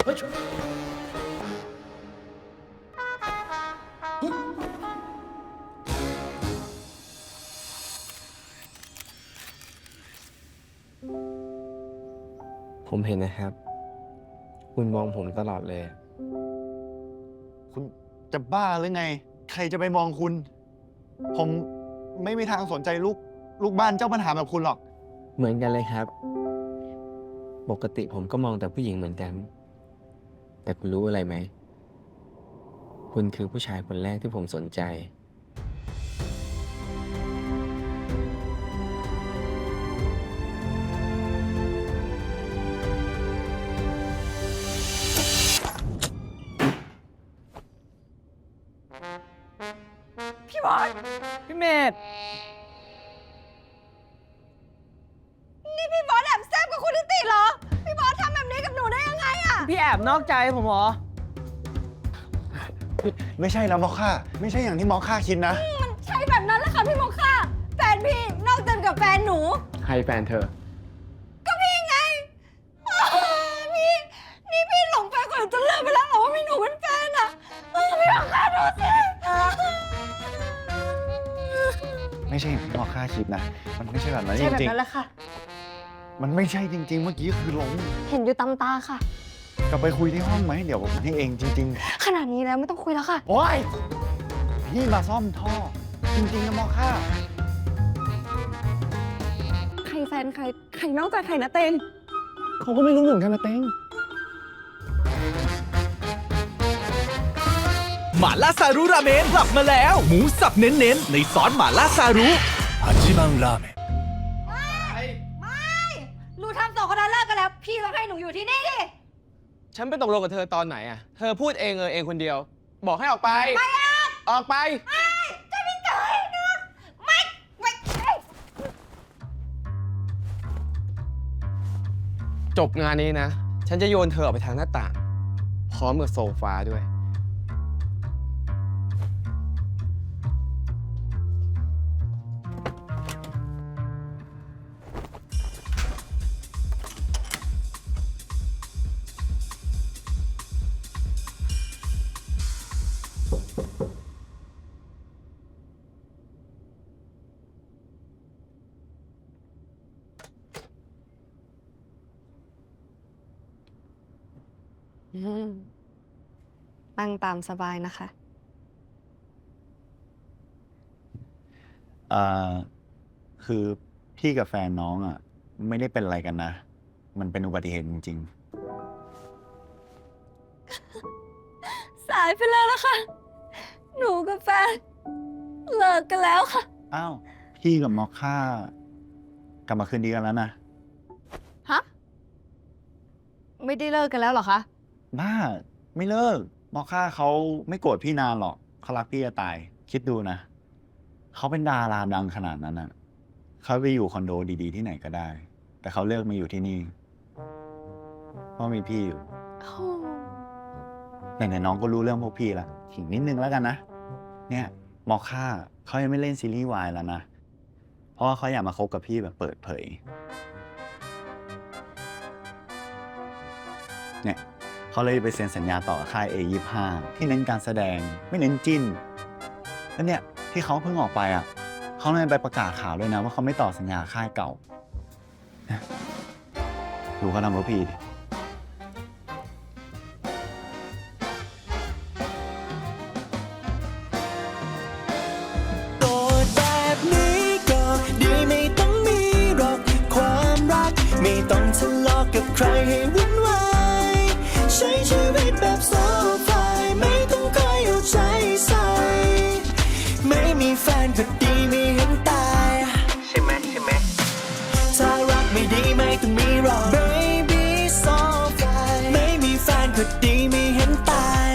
เฮ้ยผมเห็นนะครับ คุณมองผมตลอดเลยคุณจะบ้าหรือไง ใครจะไปมองคุณ ผมไม่มีทางสนใจลูกบ้านเจ้าปัญหาแบบคุณหรอกเหมือนกันเลยครับ ปกติผมก็มองแต่ผู้หญิงเหมือนกัน แต่คุณรู้อะไรไหม คุณคือผู้ชายคนแรกที่ผมสนใจพี่บอสพี่เมธนี่พี่บอสแอบแซบกับคุณนิติเหรอ พี่บอสทำแบบนี้กับหนูได้ยังไงอะพี่แอบนอกใจผมเหรอไม่ใช่แล้วมอคค่าไม่ใช่อย่างที่มอคค่าคิดนะมันใช่แบบนั้นแหละค่ะพี่โมค่าแฟนพี่นอกใจกับแฟนหนูใครแฟนเธอก็พี่ไงพี่นี่พี่หลงแฟนคนอื่นจนลืมไปแล้วเหรอว่ามีหนูเป็นแฟนอะพี่โมค่าดูสิไม่ใช่อย่างที่มอคค่าคิดนะ มันไม่ใช่แบบนั้นจใช่แบบริงนั้นแหละค่ะๆมันไม่ใช่จริง ๆ เมื่อกี้คือหลงเห็นอยู่ตามตาค่ะกลับไปคุยที่ห้องไหมเดี๋ยวผมให้เองจริงขนาดนี้แล้วไม่ต้องคุยแล้วค่ะๆ โอ๊ยพี่มาซ่อมท่อ จริงๆนะมอคค่าใครแฟนใครนอกใจใครนะเตงเขาก็ไม่รู้เหมือนกันนะเต้งหม่าล่าซารุราเมนกลับมาแล้ว หมูสับเน้นๆ ในซอสหม่าล่าซารุฮัจิบังราเมนหนูทำสองคนนั้นเลิกกันแล้ว พี่ต้องให้หนูอยู่ที่นี่ดิฉันไปตกลงกับเธอตอนไหนอะเธอพูดเองเองคนเดียว บอกให้ออกไป ออกไปจะไม่เจออีกนะไม่จบงานนี้นะ ฉันจะโยนเธอออกไปทางหน้าต่าง พร้อมกับโซฟาด้วยตั้งตามสบายนะคะคือพี่กับแฟนน้องอ่ะ ไม่ได้เป็นอะไรกันนะ มันเป็นอุบัติเหตุจริงสายไปแล้วล่ะค่ะ หนูกับแฟนเลิกกันแล้วค่ะๆ อ้าว พี่กับมอคค่ากลับมาคืนดีกันแล้วนะฮะ ไม่ได้เลิกกันแล้วเหรอคะบ้า ไม่เลิก มอคค่าเขาไม่โกรธพี่นานหรอก เขารักพี่จะตาย คิดดูนะ เขาเป็นดาราดังขนาดนั้นอ่ะ เขาไปอยู่คอนโดดีๆที่ไหนก็ได้ แต่เขาเลือกมาอยู่ที่นี่ เพราะมีพี่อยู่ ไหนๆน้องก็รู้เรื่องพวกพี่ละขิงนิดนึงแล้วกันนะ เนี่ยมอคค่าเขายังไม่เล่นซีรีส์วายแล้วนะ เพราะว่าเขาอยากมาคบกับพี่แบบเปิดเผย เนี่ยเขาเลยไปเซ็นสัญญาต่อกับค่าย A25 ที่เน้นการแสดงไม่เน้นจิ้น แล้วเนี่ยที่เขาเพิ่งออกไปอ่ะเขาเลยไปประกาศข่าวด้วยนะว่าเขาไม่ต่อสัญญาค่ายเก่า ดูเขาทำกับพี่ดิโสดแบบนี้ก็ดีไม่ต้องมีหรอกความรัก ไม่ต้องทะเลาะกับใครให้วุ่นวายใช้ชีวิตแบบโซฟายไม่ต้องคอยเอาใจใส่ไม่มีแฟนก็ดีไม่เห็นตายใช่ไหมถ้ารักไม่ดีไม่ต้องมีหรอก Baby โซฟายไม่มีแฟนก็ดีไม่เห็นตาย